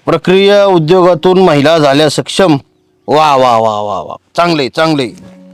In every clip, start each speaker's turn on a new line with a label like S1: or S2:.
S1: प्रक्रिया उद्योगातून महिला झाल्या सक्षम. वा वा वा वा वा, चांगले चांगले.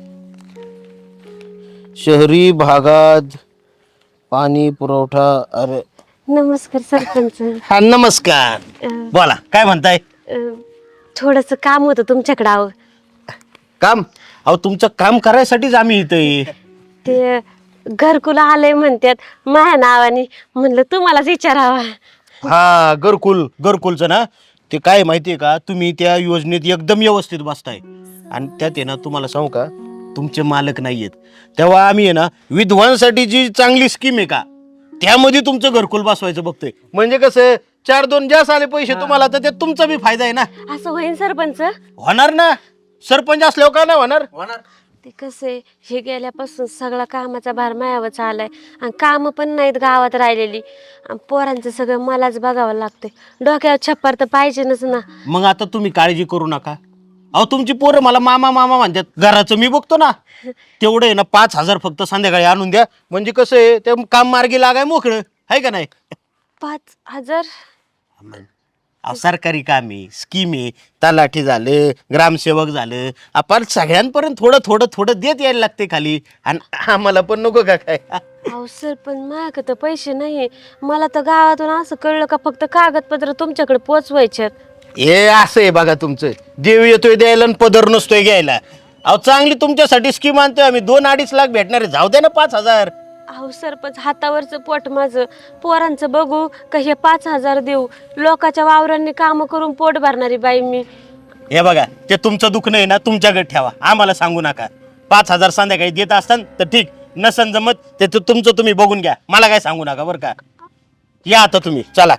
S1: शहरी भागात पाणी पुरवठा. अरे
S2: नमस्कार सरपंच.
S1: हा नमस्कार. बोला काय म्हणताय.
S2: थोडस काम होतं तुमच्याकडे. अहो
S1: काम. अहो तुमचं काम करायसाठीच आम्ही इथे.
S2: ते घरकुल आलंय म्हणतात माझ्या नावाने, म्हणलं तुम्हालाच विचारावा.
S1: हा घरकुलचं ना. ते काय माहितीये का, तुम्ही त्या योजनेत एकदम व्यवस्थित बसताय. आणि त्यात आहे ना, तुम्हाला सांगू का, तुमचे मालक नाहीयेत. तेव्हा आम्ही आहे ना, विधवांसाठी जी चांगली स्कीम आहे का, त्यामध्ये तुमचं घरकुल बसवायचं बघतोय. म्हणजे कसं 4-2 जास्त आले पैसे तुम्हाला, तर त्यात तुमचा बी फायदा आहे ना.
S2: असं होईल सरपंच?
S1: होणार ना. सरपंच असल्यावर का नाही होणार.
S2: ते कसं आहे, हे गेल्यापासून सगळा कामाचा भार मायावर आलाय आणि काम पण नाहीत गावात राहिलेली. आणि पोरांचं सगळं मलाच बघावं लागतंय. डोक्यावर छप्पर तर पाहिजेच ना.
S1: मग आता तुम्ही काळजी करू नका. अहो तुमची पोरं मला मामा मामा म्हणतात. घराचं मी बघतो ना. तेवढं आहे ना, 5,000 फक्त संध्याकाळी आणून द्या. म्हणजे कसं आहे, ते काम मार्गी लागाय मोकळं आहे का नाही.
S2: 5,000?
S1: अहो सरकारी काम आहे, स्कीम आहे. तलाठी झालं, ग्रामसेवक झालं, आपण सगळ्यांपर्यंत थोडं थोडं थोडं देत यायला लागते खाली. आणि आम्हाला पण नको का काय.
S2: अहो सरपंच, माझ्याकडे तर पैसे नाही. मला तर गावातून असं कळलं का फक्त कागदपत्र तुमच्याकडे पोचवायच्यात.
S1: हे असं आहे बघा तुमचं. देव येतोय द्यायला आणि पदर नसतोय घ्यायला. अहो चांगली तुमच्यासाठी स्कीम आणतोय आम्ही. 2-2.5 लाख भेटणार आहे. जाऊ द्या ना 5,000.
S2: अहो सरपंच, हातावरचं पोट माझं. पोरांचं बघू का हे 5,000 देऊ? लोकांच्या वावरांनी काम करून पोट भरणारी बाई मी.
S1: हे बघा, ते तुमचं दुःख नाही ना, तुमच्याकडे ठेवा. आम्हाला सांगू नका. 5,000 संध्याकाळी देत असतान तर ठीक, नसन जमत ते तुमचं तुम्ही बघून घ्या. मला काय सांगू नका बरं का. या आता तुम्ही चला.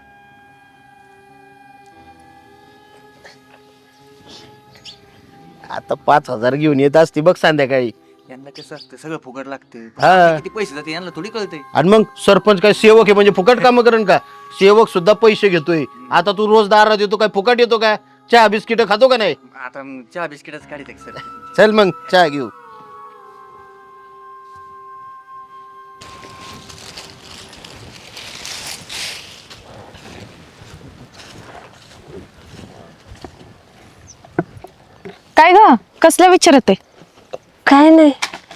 S1: आता 5,000 घेऊन येत असते बघ संध्याकाळी.
S3: यांना कसं असतं, सगळं फुकट लागतं.
S1: हा.
S3: किती पैसे जाते यांना थोडी कळतंय.
S1: आणि मग सरपंच काय सेवक आहे म्हणजे फुकट काम करण का. सेवक सुद्धा पैसे घेतोय. आता तू रोज दारात येतो काय, फुकट येतो का. चहा बिस्किट खातो का नाही.
S3: आता चहा बिस्किटच काढित सर.
S1: चल मग चहा घेऊ.
S4: काय ग, कसला विचारते.
S2: काय नाही.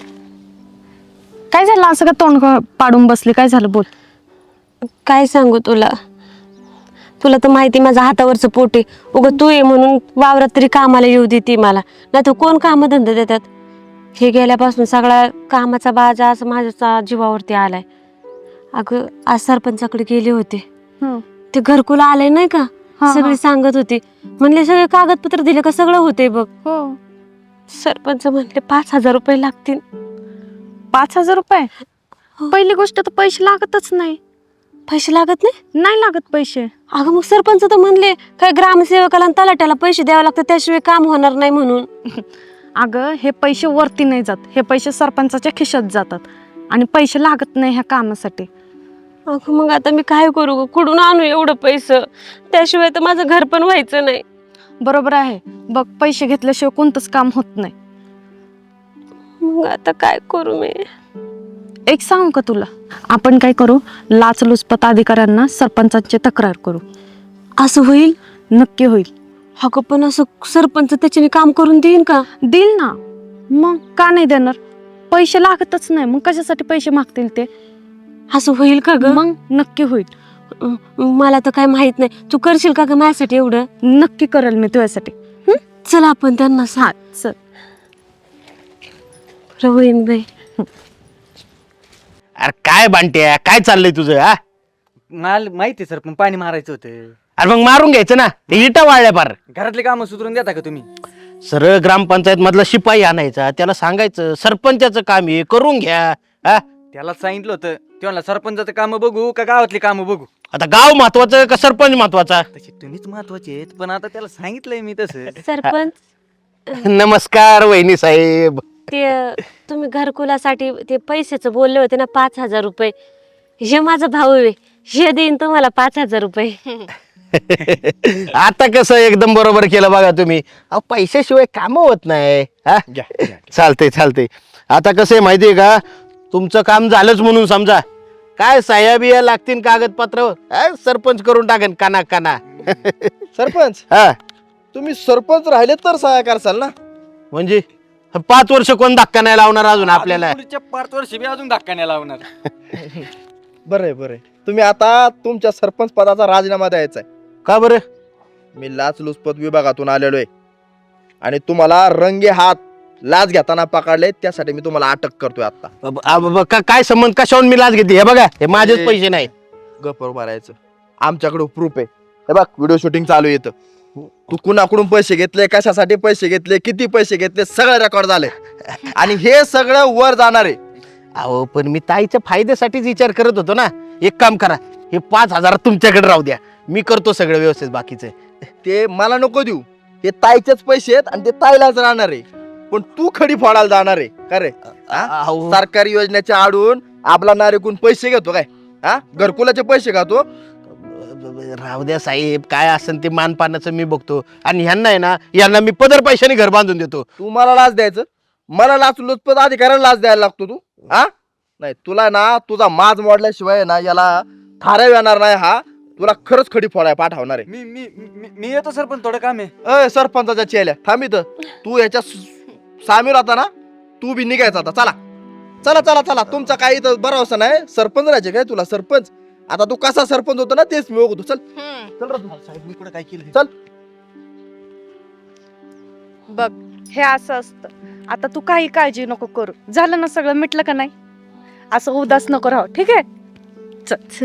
S4: काय झालं असं का तोंड पाडून बसले, काय झालं बोल.
S2: काय सांगू तुला. तुला तर माहिती माझ्या हातावरचं पोट आहे. उगं तू ये म्हणून वावरात तरी कामाला येऊ देते मला, नाही तर कोण कामधंदा देतात. हे गेल्यापासून सगळा कामाचा बाजा असं माझ्या जीवावरती आलाय. अगं आज सरपंचाकडे गेले होते. ते घरकुल आलंय नाही का, सगळी सांगत होती. म्हणले सगळे कागदपत्र दिले का सगळं होते बघ. सरपंच म्हणले 5,000 रुपये लागतील.
S4: 5,000 रुपये? पहिली गोष्ट तर पैसे लागतच नाही.
S2: पैसे लागत नाही?
S4: नाही लागत पैसे.
S2: अगं मग सरपंच तर म्हणले काय ग्रामसेवकाला आणि तलाट्याला पैसे द्यावे लागतात, त्याशिवाय काम होणार नाही म्हणून.
S4: अगं हे पैसे वरती नाही जात, हे पैसे सरपंचाच्या खिशात जातात. आणि पैसे लागत नाही ह्या कामासाठी.
S2: अगं मग आता मी काय करू ग, कुठून आणू एवढं पैसे. त्याशिवाय तर माझं घर पण व्हायचं नाही.
S4: बरोबर आहे बघ, पैसे घेतल्याशिवाय कोणतंच काम होत नाही.
S2: मग आता काय करू मी.
S4: एक सांगू का तुला, आपण काय करू, लाचलुचपत अधिकाऱ्यांना सरपंचाची तक्रार करू.
S2: असं होईल?
S4: नक्की होईल.
S2: अगं पण असं सरपंच त्याच्याने काम करून देईन का?
S4: देईल ना. मग का नाही देणार, पैसे लागतच नाही, मग कशासाठी पैसे मागतील ते.
S2: असं होईल का ग?
S4: मग नक्की होईल.
S2: मला तर काय माहित नाही. तू करशील का ग माझ्यासाठी एवढं?
S4: नक्की करेल मी तुझ्यासाठी.
S2: चल आपण त्यांना सांग.
S4: चल.
S2: होईन बाई.
S1: अरे काय बांट्या, काय चाललंय तुझं. हा
S3: मला माहिती सर, पण पाणी मारायचं होतं.
S1: अरे मग मारून घ्यायचं ना. ते इटा वाळल्या पार.
S3: घरातले कामं सुधरून देता का तुम्ही?
S1: सरळ ग्रामपंचायत मधला शिपाई आणायचा, त्याला सांगायचं सरपंचाचं काम आहे करून घ्या. हा
S3: त्याला सांगितलं होतं, तेव्हा सरपंचाचं काम बघू का गावातली कामं बघू.
S1: आता गाव महत्वाचं का सरपंच महत्वाचा.
S3: तसे तुम्हीच महत्वाचे आहेत, पण आता त्याला सांगितलंय मी तसं.
S2: सरपंच
S1: नमस्कार वहिनी साहेब.
S2: ते तुम्ही घरकुलासाठी ते पैशाचं बोलले होते ना, 5,000 रुपये. हे माझा भाऊ आहे, हे देईन तुम्हाला 5,000 रुपये.
S1: आता कसं एकदम बरोबर केलं बघा तुम्ही. अहो पैशाशिवाय काम होत नाही. हा चालतंय चालतंय. आता कसं आहे माहितीये का, तुमचं काम झालंच म्हणून समजा. काय सह्या बिया लागतील कागदपत्रावर, सरपंच करून टाकेन काना काना.
S5: सरपंच
S1: हा
S5: तुम्ही सरपंच राहिले तर सहाय्य करसाल ना.
S1: म्हणजे 5 वर्ष कोण धक्का नाही लावणार अजून आपल्याला.
S3: पुढच्या 5 वर्ष बी अजून धक्का नाही लावणार.
S5: बरं आहे. तुम्ही आता तुमच्या सरपंच पदाचा राजीनामा द्यायचा आहे.
S1: का बरं?
S5: मी लाचलुचपत विभागातून आलेलो आहे आणि तुम्हाला रंगे हात लाच घेताना पकडले, त्यासाठी मी तुम्हाला अटक करतोय आता.
S1: काय संबंध? कशावरून मी लाच घेते? हे बघा, हे माझेच पैसे नाही.
S5: गप्प मारायचं. आमच्याकडे प्रूफ आहे. हे बघ व्हिडिओ शूटिंग चालू येतं. तू कुणाकडून पैसे घेतले, कशासाठी पैसे घेतले, किती पैसे घेतले, सगळं रेकॉर्ड झाले आणि हे सगळं वर जाणार आहे.
S1: अहो पण मी ताईच्या फायद्यासाठीच विचार करत होतो ना. एक काम करा, हे 5,000 तुमच्याकडे राहू द्या, मी करतो सगळं व्यवस्थित बाकीचं.
S5: ते मला नको देऊ. ते ताईचेच पैसे आहेत आणि ते ताईलाच राहणार आहे. पण तू खडी फोडायला जाणार आहे का रे?
S1: अहो,
S5: सरकारी योजनेच्या आडून आपला नारेकून पैसे घेतो काय? हा, घरकुलाचे पैसे खातो.
S1: राहू द्या साहेब, काय असेल ते मानपानाचं मी बघतो. आणि ह्यांना आहे ना, यांना मी पदर पैशाने घर बांधून देतो.
S5: तू मला लाच द्यायचं, मला लाचलुचपत अधिकाऱ्याला लाच द्यायला लागतो तू. हा नाही, तुला ना तुझा माज मोडल्याशिवाय ना याला थाऱ्या येणार नाही. हा तुला खरंच खडी फोडाय पाठवणार आहे.
S3: मी मी मी मी येतो सर, पण थोडं काम आहे.
S5: अय सरपंचाच्या चेल्या थांब इथं. तू याच्या सामील होता ना, तू बी निघायचा आता. चला चला चला चला. तुमचा काही इथं भरोसा नाही. सरपंच राहायचे काय तुला? सरपंच आता तू कसा सरपंच होतो ना तेच मी बघतो. चल चल रे तू.
S1: साहेब मी कुठं काय केलं?
S5: चल.
S4: बघ हे असं असतं. आता तू काही काळजी नको करू. झालं ना सगळं, मिटलं का नाही? असं उदास नको राहू, ठीक आहे? चल.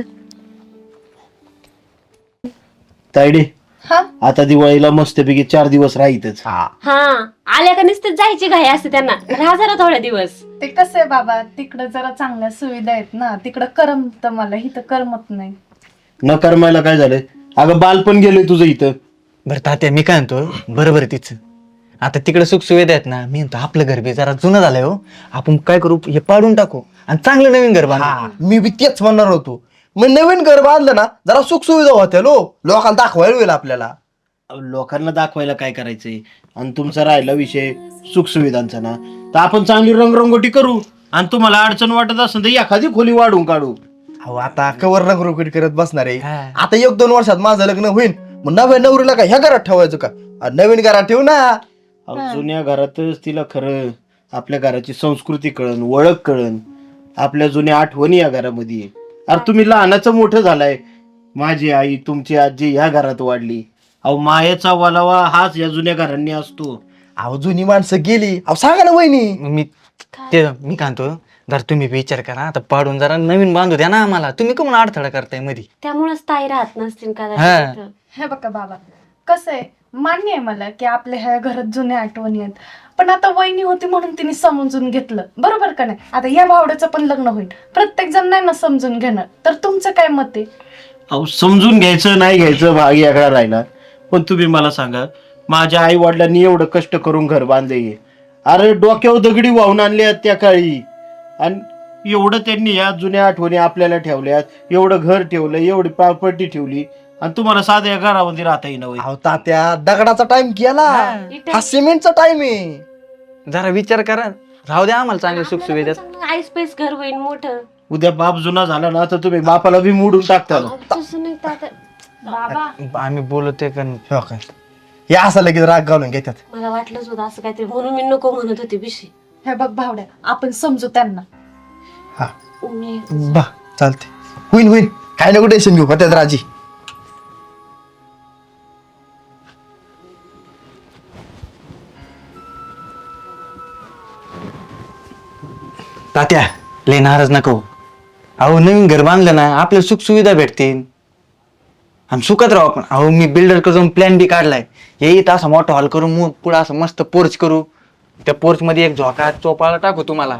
S1: तायडे,
S4: हा
S1: आता दिवाळीला मस्तपैकी 4 दिवस राहीतच.
S2: हा आल्या का नुसते जायची घाई असते त्यांना. राहा जरा थोड्या दिवस.
S4: ते कसं आहे बाबा, तिकडं जरा चांगल्या सुविधा आहेत ना, तिकडं करमत मला, इथं करमत नाही.
S1: न करमायला काय झालंय? अगं बालपण गेलंय तुझं इथं.
S6: बरं तात्या, मी काय म्हणतो, बरोबर आहे तिचं. आता तिकडे सुख सुविधा आहेत ना, मी म्हणतो आपलं घर बी जरा जुनं झालंय हो. आपण काय करू, हे पाडून टाकू आणि चांगलं नवीन घर बांधू.
S5: मी बी तेच म्हणणार होतो. मग नवीन घर बांधलं ना, जरा सुख सुविधा होत्या लोकांना दाखवायला होईल आपल्याला.
S1: लोकांना दाखवायला काय करायचंय? आणि तुमचा राहिला विषय सुखसुविधांचा ना, तर आपण चांगली रंगरंगोटी करू. आणि तुम्हाला अडचण वाटत असेल तर एखादी खोली वाढून काढू.
S5: अहो आता कवर रंगरोगट करत बसणार आहे.
S6: हा.
S5: आता 1-2 वर्षात माझं लग्न होईल, मग नव्या नवरीला का ह्या घरात ठेवायचं का? नवीन घरात ठेवू ना.
S1: अहो, जुन्या घरातच तिला खरं आपल्या घराची संस्कृती कळण, ओळख कळण, आपल्या जुन्या आठवणी या घरामध्ये आहे. अरे तुम्ही लहानाचं मोठं झालाय. माझी आई, तुमची आजी ह्या घरात वाढली. अहो मायेचा वलावा हाच या जुन्या घरांनी असतो.
S5: अहो जुनी माणसं गेली. अहो सांगा ना वहिनी.
S6: मी काय म्हणतो, जर तुम्ही विचार करा, आता पाडून जरा नवीन बांधू द्या ना आम्हाला. तुम्ही का म्हणून अडथळा करताय मध्ये?
S2: त्यामुळेच ताई राहत नसतील
S6: हा.
S2: कदाचित.
S4: हे बघा बाबा, कसं आहे, मान्य आहे मला की आपल्या ह्या घरात जुन्या आठवणी आहेत, पण आता वहिनी होती म्हणून तिने समजून घेतलं, बरोबर का नाही? आता या भावड्याचं पण लग्न होईल, प्रत्येक जण नाही ना समजून घेणार. तर तुमचं काय मत आहे?
S1: अहो समजून घ्यायचं नाही घ्यायचं भाग याकडा राहिला. पण तुम्ही मला सांगा, माझ्या आई वडिलांनी एवढं कष्ट करून घर बांधले. अरे डोक्यावर दगडी वाहून आणल्या त्या काळी. आणि एवढं त्यांनी या जुन्या आठवणी आपल्याला ठेवल्यात. एवढं घर ठेवलं, एवढी प्रॉपर्टी ठेवली, आणि तुम्हाला साध्या घरामध्ये राहता येईना होय.
S5: अहो तात्या, दगडाचा टाइम केला, हा सिमेंटचा टाइम आहे.
S6: जरा विचार करा, राहू द्या आम्हाला चांगल्या सुख सुविधात.
S2: आईस पेस घर होईल मोठं.
S1: उद्या बाप जुना झाला ना, तर तुम्ही बापाला बी मोडून टाकता.
S2: तसं नाही तात्या. बाबा
S6: आम्ही बोलतोय कारण
S5: हो काय, हे असं लगेच राग घालून घेतात.
S2: मला वाटलंच होतं असं काहीतरी, म्हणून मी नको म्हणत होते बिशी.
S4: हे बघ भावड्या, आपण समजू त्यांना.
S5: हा
S2: मी
S5: बा चालते, होईल काय नको टेन्शन घेऊ. होत्यात राजी.
S6: तात्या, लय नाराज नको. अहो नवीन घर बांधलं ना, आपल्याला सुख सुविधा भेटतील आणि सुखात राहू आपण. अहो मी बिल्डर कडून प्लॅन बी काढलाय. येईत असा मोठा हॉल करू, पुढे असं मस्त पोर्च करू. त्या पोर्च मध्ये एक झोका चोपाळा टाकू तुम्हाला.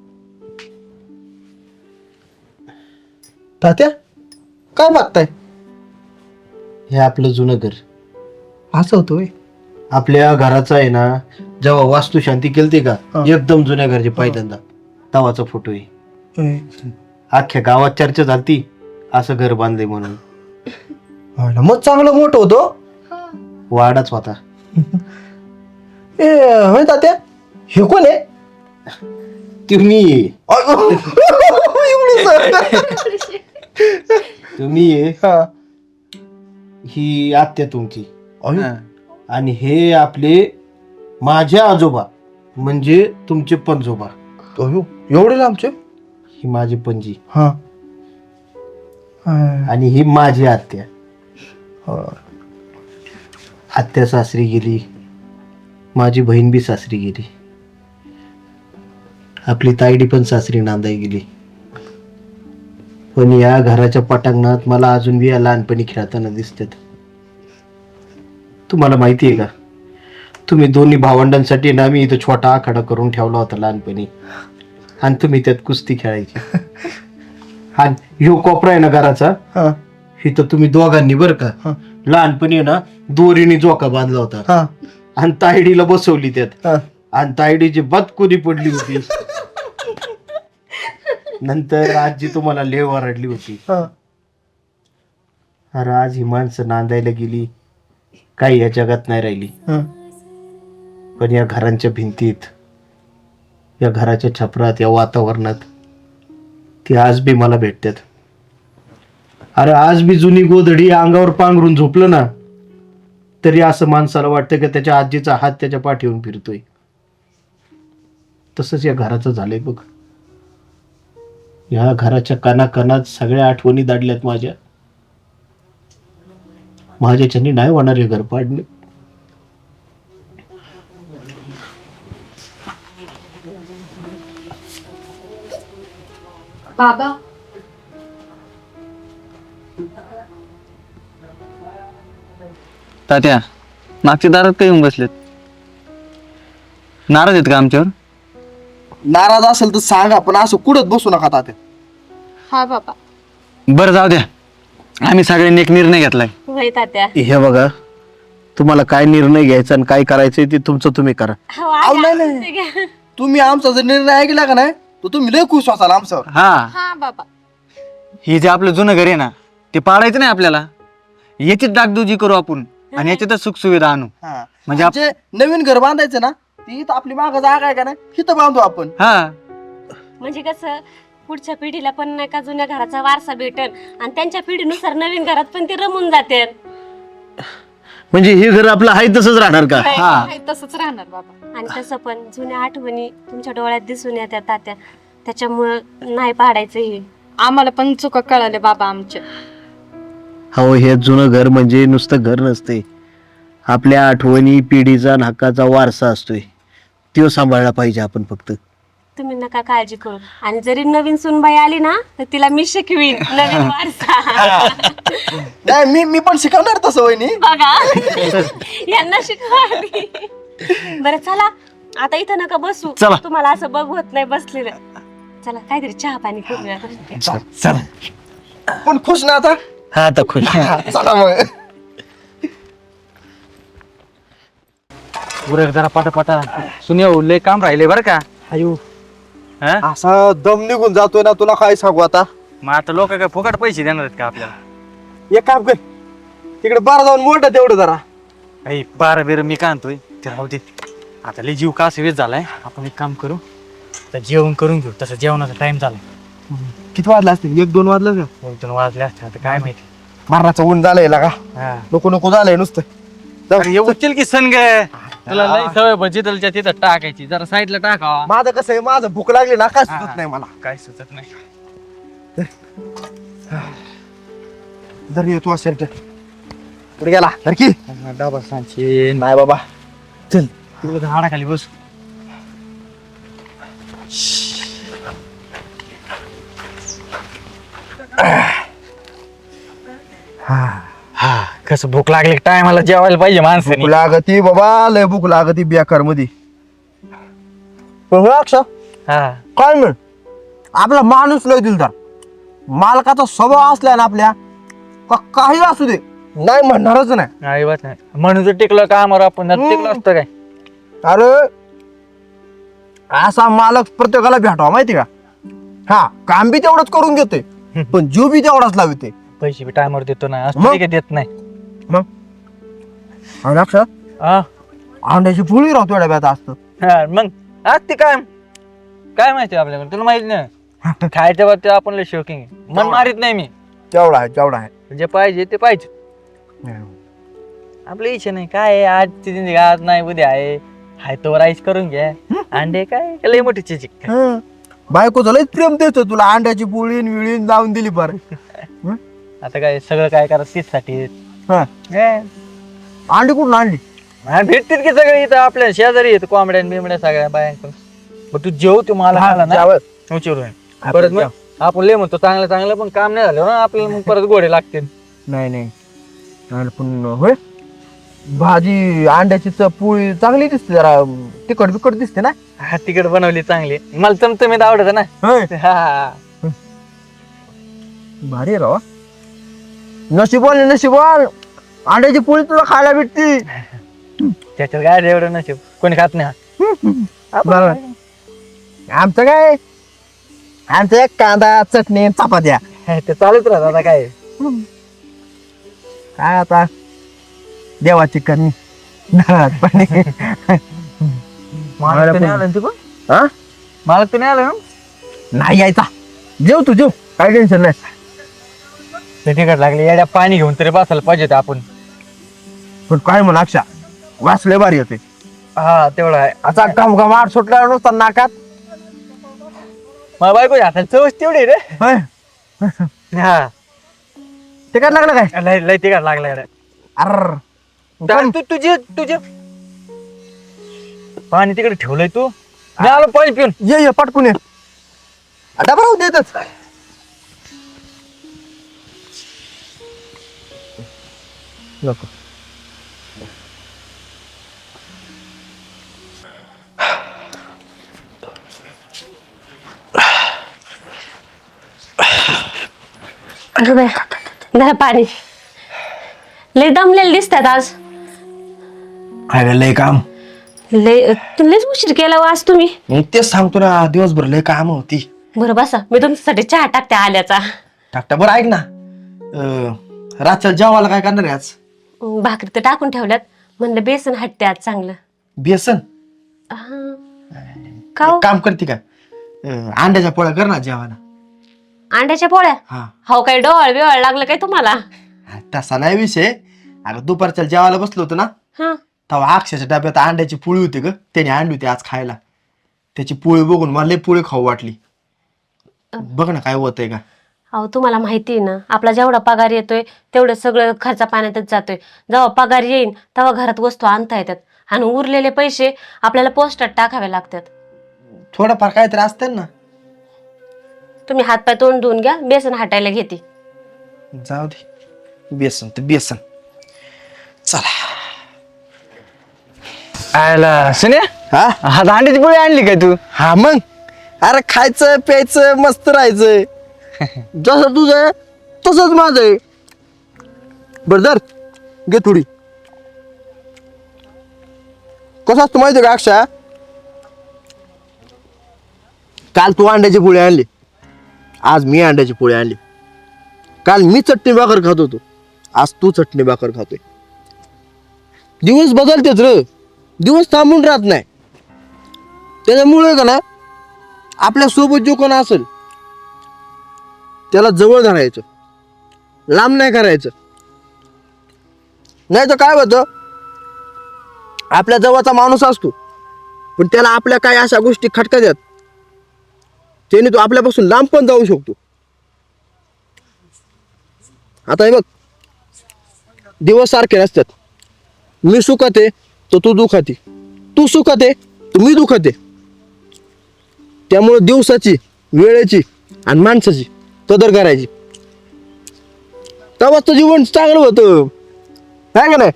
S5: तात्या काय बघताय?
S1: हे आपलं जुनं घर.
S5: असं होतं होय?
S1: आपल्या घराचा आहे ना, जेव्हा वास्तुशांती केलती का, एकदम जुन्या घरचे पहिल्यांदा तवाचा फोटो आहे. अख्ख्या गावात चर्चा झालती असं घर बांधले म्हणून.
S5: हो ना, मग चांगलं मोठं होतं.
S1: वाडाच होता.
S5: ए होय तात्या, हे कोण आहे?
S1: तुम्ही
S5: एवढं सर.
S1: तुम्ही
S5: हा.
S1: ही आत्या तुमची
S5: अयो,
S3: हा.
S1: आणि हे आपले माझे आजोबा म्हणजे तुमचे पणजोबा.
S5: अयो, एवढे लांबचे?
S1: ही माझी पणजी
S5: हा
S1: आणि ही माझी आत्या. आत्या सासरी गेली, माझी बहीण बी सासरी गेली, आपली तायडी पण सासरी नांदाई गेली. पण या घराच्या पटांगणात मला अजून बी या लहानपणी खेळताना दिसतात. तुम्हाला माहिती आहे का, तुम्ही दोन्ही भावंडांसाठी ना मी इथं छोटा आखाडा करून ठेवला होता लहानपणी, आणि तुम्ही त्यात कुस्ती खेळायची. आणि ह्यो कोपरा आहे ना घराचा,
S5: हा
S1: इथं तुम्ही दोघांनी बरं का लहानपणी ना दोरीने जोका बांधला होता
S5: हा
S1: आणि तायडीला बसवली त्यात,
S5: हा.
S1: आणि तायडीची बदकुरी पडली होती. नंतर आजी तुम्हाला लय ओरडली होती.
S5: हा.
S1: अरे आज ही माणसं नांदायला गेली, काही या जगात नाही राहिली.
S5: हा.
S1: पण या घरांच्या भिंतीत, या घराच्या छपरात, या वातावरणात ती आज बी मला भेटतात. अरे आज बी जुनी गोधडी अंगावर पांघरून झोपलं ना तरी असं माणसाला वाटतं की त्याच्या आजीचा हात त्याच्या पाठीवरून फिरतोय. तसंच या घराचं झालंय बघ. या घराच्या कानाकानात सगळ्या आठवणी दाडल्यात माझ्या. माझ्याच्यानी नाही होणार हे घर पाडणे.
S4: बाबा
S3: तात्या मागच्या दारात काय येऊन बसलेत? नाराज आहेत का आमच्यावर?
S5: नाराज असेल तर सांगा, पण असं कुठत बसू नका तात्या.
S4: हा बाबा.
S3: बरं जाऊ द्या, आम्ही सगळ्यांनी एक निर्णय घेतलाय.
S2: होय तात्या.
S1: हे बघा, तुम्हाला काय निर्णय घ्यायचा आणि काय करायचंय ते तुमचं तुम्ही करा.
S2: हो,
S5: अहो,
S2: आजी,
S5: नाही,
S2: आजी,
S5: नाही.
S2: घ्या.
S5: तुम्ही आमचा जर निर्णय ऐकला का नाही तर तुम्ही लय खुश व्हाल आमच्यावर.
S3: हा,
S4: हा बाबा.
S3: हे जे आपलं जुनं घर आहे ना ते पाडायचं नाही आपल्याला. याचीच डागडुजी करू आपण आणि याच्यातच सुख सुविधा आणू.
S5: हा.
S3: म्हणजे आप-
S5: जे नवीन घर बांधायचं ना, ती इथं आपली माग जागा आहे का नाही, इथं बांधू आपण.
S3: हा
S2: म्हणजे कसं पुढच्या पिढीला पण नाही का जुन्या घराचा वारसा भेटल आणि त्यांच्या पिढीनुसार नवीन घरात पण ते रमून जाते.
S1: म्हणजे हे घर आपलं आहे तसंच राहणार का?
S3: हा.
S4: तसंच राहणार बाबा.
S2: आणि तसं पण जुन्या आठवणी तुमच्या डोळ्यात दिसून येतात तात्या, त्याच्यामुळं नाही पाडायचं हे.
S4: आम्हाला पण चुका कळाल्या बाबा आमच्या.
S1: हो, हे जुनं घर म्हणजे नुसतं घर नसते, आपल्या आठवणी, पिढीचा आणि हक्काचा वारसा असतोय. तो सांभाळला पाहिजे आपण फक्त.
S2: तुम्ही नका काळजी करू. आणि जरी नवीन सुनबाई आली ना तर तिला मी शिकवीन नवीन वारसा.
S5: नाही, मी पण शिकवणार तसं वहिनी.
S2: बघा यांना शिकवावी. बरं चला आता इथं नका बसू,
S3: चला.
S2: तुम्हाला असं बघवत नाही बसलेलं. चला काहीतरी चहा पाणी करूया.
S5: पण खुश ना आता.
S1: हा आता खुश.
S5: चला मग.
S3: उरक जरा पटापटा. सुनेव लय काम राहिले बरं का.
S5: अयो,
S3: हा?
S5: असा दम निघून जातोय ना, तुला काय सांगू आता.
S3: मग आता लोक काय फुकट पैसे देणार आहेत का आपल्याला?
S5: एक काम कर, तिकडे बारा जाऊन मोठं तेवढं जरा.
S3: काही बारा बेर मी काय आणतोय ते राहू दे. आता लय जीव का वेळ झालाय. आपण एक काम करू, तर जेवण करून घेऊ. तसं जेवणाचा टाइम झालाय.
S5: किती वाजले असतील? 1-2 वाजलं का?
S3: 2 वाजले असते आता काय माहिती.
S5: मारणाचं ऊन झालंय का?
S3: हा.
S5: नको नको झालंय नुसतं. जाऊ.
S3: अरे येऊ चल की सण ग. तुला लय सवय भजीतलच्या तिथं टाकायची. जरा साईडला टाकावा.
S5: माझं कसं आहे, माझं भूक लागली ना, काय सुचत नाही मला.
S3: काय सुचत नाही.
S5: जर येतो असेल तर पुढे गेला तर की.
S3: डबा सांचे
S5: नाही बाबा,
S3: चल तू झाडाखाली बस. हा कसं भूक लागली टायमाला जेवायला पाहिजे
S5: भूक
S3: माणसाने.
S5: लागती बाबा, लय भूक लागती बेकार मध्ये. पण हो अक्षा,
S3: हा
S5: काय म्हण, आपला माणूस लय दिलदार. मालकाचा स्वभाव असला ना आपल्या, का काही असू दे नाही म्हणणारच नाही.
S3: नाही बात नाही म्हणून जर टिकलं का आम्हाला आपण जर टिकलं असतं काय.
S5: अरे असा मालक प्रत्येकाला भेटावा, माहिती का. हा, काम बी तेवढंच करून घेतोय, पण जीव बी तेवढाच लावते.
S3: पैसे बी टायमावर देतो ना, असं
S5: मग?
S3: नाही का देत नाही.
S5: आणि अक्षा,
S3: हा
S5: अंड्याची पोळी राहतो एवढ्या व्यात असतं.
S3: हा, मग आज ते काय काय माहिती आपल्याकडे, तुला माहित नाही. खायच्या बाबतीत आपण लय शौकिंग आहे. मन मारित नाही मी.
S5: तेवढा आहे, तेवढा आहे.
S3: जे पाहिजे ते पाहिजे. आपली इच्छा नाही काय आहे, आजची जिंदगी आज नाही उद्या आहे. हाय तो राईस करून घ्या. अंडे काय लय मोठी चिचिक.
S5: बायको लयच प्रेम देतो तुला, अंड्याची पोळीन विळीन लावून दिली फार.
S3: आता काय सगळं काय करा तीच साठी.
S5: अंडी कुठून आणली?
S3: भेटतील की सगळे इथं आपल्या शेजारी येत कोंबड्या बिमड्या सगळ्या बायांकडून. मग तू जेव तू मला खाला ना उचिरून. परत मग आपण लय म्हणतो चांगलं चांगलं पण काम नाही झालं ना आपल्याला, मग परत गोडे लागतील.
S5: नाही पण होय, भाजी अंड्याची पोळी चांगली दिसते, जरा तिखट बिकट दिसते ना.
S3: हा तिकड बनवली चांगली, मला चमचमीत आवडत ना. हा
S5: भारी राव. नशिबवान अंड्याची पोळी तुला खायला भेटती.
S3: त्याच्यात काय एवढं नशीब, कोणी खात नाही.
S5: आमचं काय, आमचं एक कांदा चटणी चपात्या
S3: ते चालूच राहत. आता काय
S5: काय आता देवाची करणी. पाणी
S3: मला तर नाही आलं ना तू पण.
S5: हा?
S3: मला तर नाही आलं ना.
S5: नाही यायचा. जेव तू जेव, काय टेन्शन नाही.
S3: ते तिकड लागले येड्या, पाणी घेऊन तरी बसायला पाहिजे होतं आपण.
S5: पण काय म्हणा अक्षा, वाचले भारी होते.
S3: हा तेवढं आहे.
S5: असा घमघमाट सुटला नुसता नाकात.
S3: मला बायको हाताला चवच तेवढी आहे रे.
S5: होय.
S3: हा
S5: ते काय लागलं काय?
S3: लय लय तिकड लागला येड्या.
S5: अर
S3: तू तुझे पाणी तिकडे ठेवलंय तू. मी आलो पाणी पिऊन.
S5: ये पटकून ये. डबा राहू देतच. नको.
S2: अगं बाई, धरा पाणी. लय दमलेले दिसतात आज.
S5: लय काम.
S2: लयच उशीर केला आज तुम्ही.
S5: तेच सांगतो ना, दिवसभर लय काम होती.
S2: बरं बसा, मी तुमच्यासाठी चहा टाकते आल्याचा.
S5: टाकटा बरं. ऐक ना, रातच्या जेवायला काय करणार आहे आज?
S2: भाकरी तर टाकून ठेवल्यात, म्हणलं बेसन हटते आज चांगलं.
S5: बेसन?
S2: का हो?
S5: एक काम करते का, अंड्याच्या पोळ्या कर ना जेवायला.
S2: अंड्याच्या पोळ्या?
S5: हा.
S2: हो काय डोळ बिवळ लागलं काय तुम्हाला?
S5: तसा नाही विषय. अगं दुपारच्या जेवायला बसलो होतो ना,
S2: हा.
S5: तेव्हा अक्षरच्या डब्यात अंड्याची पोळी होती ग, त्याने आणली होती आज खायला. त्याची पोळी बघून मला लय पोळी खाऊ वाटली. बघ ना काय होतंय का.
S2: अहो तुम्हाला माहिती आहे ना, आपला जेवढा पगार येतोय तेवढं सगळं खर्चा पाण्यातच जातोय. जेव्हा पगार येईन तेव्हा घरात वस्तू आणता येतात, आणि उरलेले पैसे आपल्याला पोस्टात टाकावे लागतात.
S5: थोडंफार काहीतरी असतं ना.
S2: तुम्ही हातपाय तोंड धुवून घ्या, बेसन हटायला घेते.
S5: जाऊ दे, बेसन तर बेसन. चला.
S3: आयला सुन्या,
S5: हा
S3: हा अंड्याची पोळी आणली काय तू?
S5: हा मग, अरे खायचं प्यायचं मस्त राहायचं. जसं तुझं आहे तसंच माझं आहे. बरं धर, घे थोडी. कसं असतं माहिती का अक्षा, काल तू अंड्याची पोळी आणली, आज मी अंड्याची पोळी आणली. काल मी चटणी भाकर खात होतो, आज तू चटणी भाकर खातोय. दिवस बदलतेच र, दिवस थांबून राहत नाही. त्याच्यामुळे का ना, आपल्या सोबत जो कोण असेल त्याला जवळ धरायचं, लांब नाही करायचं. नाही तर काय होतं, आपल्या जवळचा माणूस असतो पण त्याला आपल्या काय अशा गोष्टी खटकायच्यात, त्याने तो आपल्यापासून लांब पण जाऊ शकतो. आता हे बघ, दिवस सारखे नसतात. मी सुखात आहे तर तू दुखात आहे, तू सुखात आहे तर मी दुखात आहे. त्यामुळे दिवसाची, वेळेची आणि माणसाची कदर करायची, तेव्हाच तर जीवन चांगलं होतं. काय का नाही?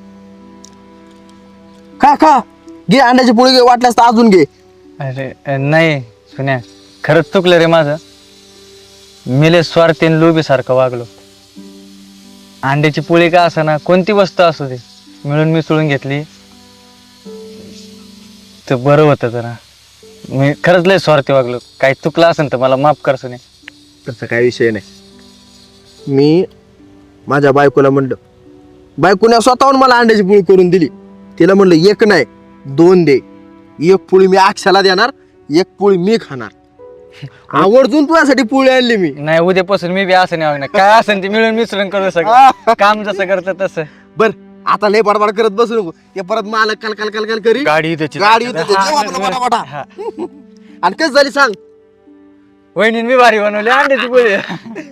S5: खा घे अंड्याची पोळी घे, वाटल्यास तर अजून घे.
S3: अरे नाही सुन्या, खरंच चुकलं रे माझं. मी लय स्वार्थी आणि लोभी सारखं वागलो. अंड्याची पोळी का असं ना, कोणती वस्तू असू दे, मिळून मिसळून घेतली तर बरं होतं जरा. मी खरंच लय स्वार्थी वागलो. काही चुकलं असेल तर मला माफ कर सुन्या.
S5: तसं काही विषय नाही. मी माझ्या बायकोला म्हणलं, बायकोने स्वतःहून मला अंड्याची पोळी करून दिली. तिला म्हणलं एक नाही 2 दे. एक पोळी मी अक्षाला देणार, एक पोळी मी खाणार. आवर्जून तुझ्यासाठी पोळी आणली मी.
S3: नाही उद्यापासून मी बी असं नाही वागणार. काय असेल ते मिळून मिसळून करू सगळं. काम जसं करतं तसं.
S5: बर आता लय बडबड करत बसू नको. ते परत मालक कल कल कल कल करी
S1: गाडी इथंच आहे.
S5: गाडी इथंच आहे. जेव आपलं पटापटा.
S3: हा.
S5: आणि कस झाली सांग.
S3: वहिनीने मी भारी बनवली अंड्याची पोळी.